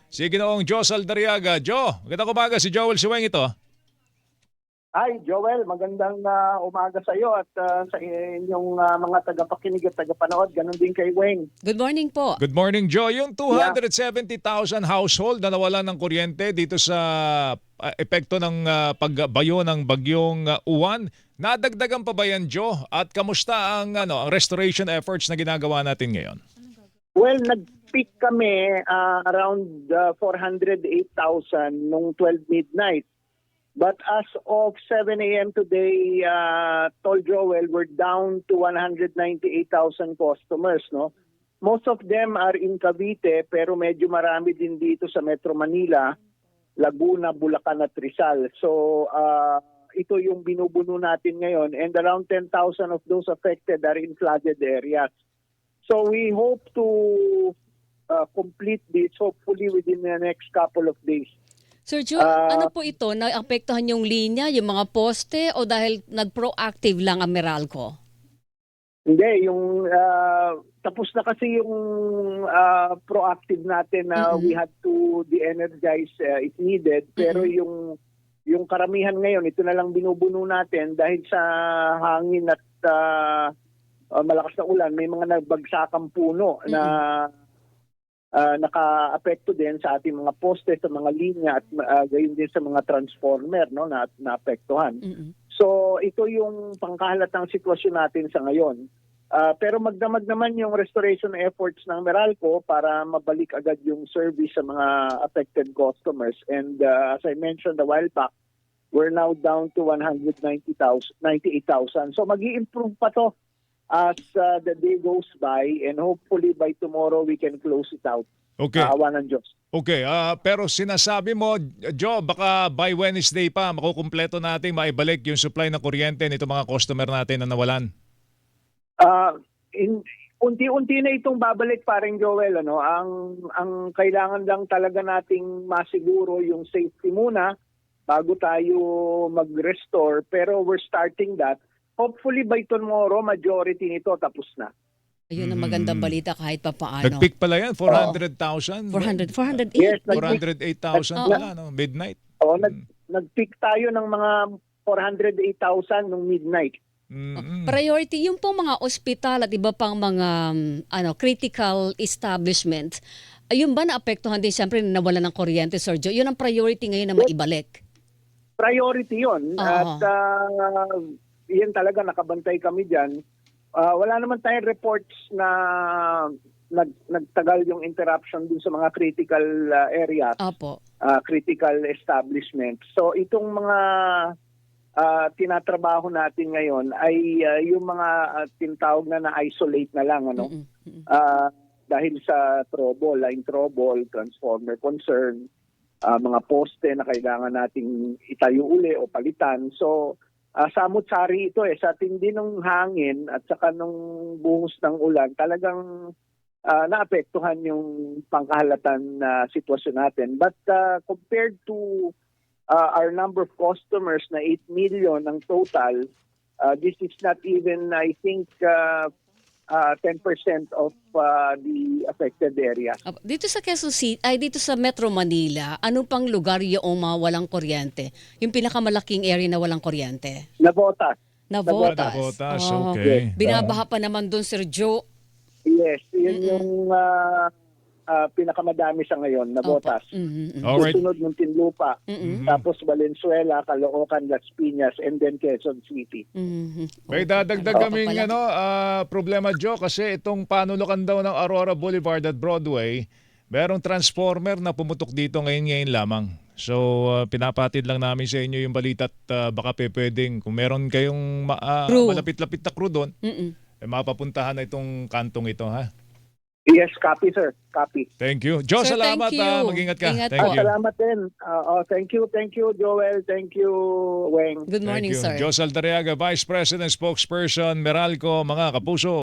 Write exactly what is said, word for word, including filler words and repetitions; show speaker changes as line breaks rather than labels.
si Ginoong Joe Saldariaga. Joe, magandang umaga. Si Joel Siweng ito.
Hi, Joel. Magandang uh, umaga sa iyo at uh, sa inyong uh, mga tagapakinig at tagapanood. Ganon din kay Weng.
Good morning po.
Good morning, Joe. Yung two hundred seventy thousand household na nawalan ng kuryente dito sa uh, epekto ng uh, pagbayo ng bagyong uh, Uwan, nadagdagan pa ba yan, Joe? At kamusta ang, ano, ang restoration efforts na ginagawa natin ngayon?
Well, nag-peak kami uh, around uh, four hundred eight thousand nung twelve midnight. But as of seven a m today, uh, Tol Joel, we're down to one hundred ninety-eight thousand customers. No, most of them are in Cavite, pero medyo marami din dito sa Metro Manila, Laguna, Bulacan at Rizal. So uh, ito yung binubuno natin ngayon, and around ten thousand of those affected are in flooded areas. So we hope to uh, complete this hopefully within the next couple of days.
Sir Joe, uh, ano po ito? Naapektuhan yung linya, yung mga poste o dahil nag-proactive lang ang Meralco?
Hindi, yung uh, tapos na kasi yung uh, proactive natin na mm-hmm. we had to de-energize uh, if needed. Pero mm-hmm. yung yung karamihan ngayon, ito na lang binubuno natin dahil sa hangin at uh, uh, malakas na ulan, may mga nagbagsakan puno mm-hmm. na Uh, naka-apekto din sa ating mga poste, sa mga linya at uh, gayon din sa mga transformer no, na naapektuhan. Mm-hmm. So ito yung pangkahalatang sitwasyon natin sa ngayon. Uh, pero magdamag naman yung restoration efforts ng Meralco para mabalik agad yung service sa mga affected customers. And uh, as I mentioned a while back, we're now down to one hundred ninety-eight thousand. So mag-i-improve pa to as uh, the day goes by, and hopefully by tomorrow we can close it out.
Okay.
Uh, awa ng Diyos.
Okay, uh, pero sinasabi mo, Joe, baka by Wednesday pa makukumpleto natin maibalik yung supply ng kuryente nito mga customer natin na nawalan.
Uh, in, unti-unti na itong babalik, paring Joel. Ano? Ang, ang kailangan lang talaga nating masiguro yung safety muna bago tayo mag-restore, pero we're starting that. Hopefully by tomorrow, majority nito tapos na.
Ayun ang magandang balita kahit pa paano.
Nag-peak pala yan, four hundred thousand?
four hundred, four hundred eight.
Yes,
four hundred eight thousand pala, no? Midnight.
Oo, nag, nag-peak tayo ng mga four hundred eight thousand nung midnight.
Mm-hmm.
Priority, yung pong mga ospital at iba pang mga um, ano critical establishment, ayun ba naapektuhan din siyempre na nawalan ng kuryente, Sir Joe? Yun ang priority ngayon na maibalik.
Priority yun.
Uh-huh.
At uh, yan talaga, nakabantay kami dyan. Uh, wala naman tayong reports na nag, nagtagal yung interruption dun sa mga critical uh, areas,
Apo.
Uh, critical establishments. So itong mga uh, tinatrabaho natin ngayon ay uh, yung mga uh, tinatawag na na-isolate na lang. Ano? Mm-hmm. Uh, dahil sa trouble, line trouble, transformer concern, uh, mga poste na kailangan nating itayo uli o palitan. So Uh, samut-sari ito eh, sa tindi ng hangin at saka nung buhos ng ulan, talagang uh, naapektuhan yung pangkahalatan na uh, sitwasyon natin. But uh, compared to uh, our number of customers na eight million ang total, uh, this is not even, I think, uh, uh, ten percent of uh, the affected area.
Dito sa Quezon City, ay dito sa Metro Manila, ano pang lugar yung mga walang kuryente? Yung pinakamalaking area na walang kuryente?
Navotas.
Navotas.
Navotas,
Oh.
okay.
Binabaha pa naman doon, Sir Joe.
Yes, yun
Mm-mm.
yung uh, uh, pinakamadami sa ngayon, Navotas.
Mm-hmm.
Alright.
Susunod Muntinlupa,
Mm-hmm.
tapos Valenzuela, Caloocan, Las Piñas, and then Quezon City.
Mm-hmm.
May dadagdag kaming ano, uh, problema, Joe, kasi itong panulukan daw ng Aurora Boulevard at Broadway, merong transformer na pumutok dito ngayon-ngayon lamang. So, uh, pinapatid lang namin sa inyo yung balita at uh, baka pe, pwedeng, kung meron kayong ma- uh, malapit-lapit na crew doon,
Mm-mm.
eh, mapapuntahan na itong kantong ito, ha?
Yes, copy sir, copy.
Thank you. Joe,
Sir,
salamat.
thank you.
Uh, mag-ingat ka.
Ingat
Thank
Ah,
you.
salamat din. Uh, oh, thank you, thank you, Joel. Thank you, Weng.
Good morning,
Thank you.
sir.
Joe Saldariaga, Vice President, Spokesperson, Meralco, mga kapuso.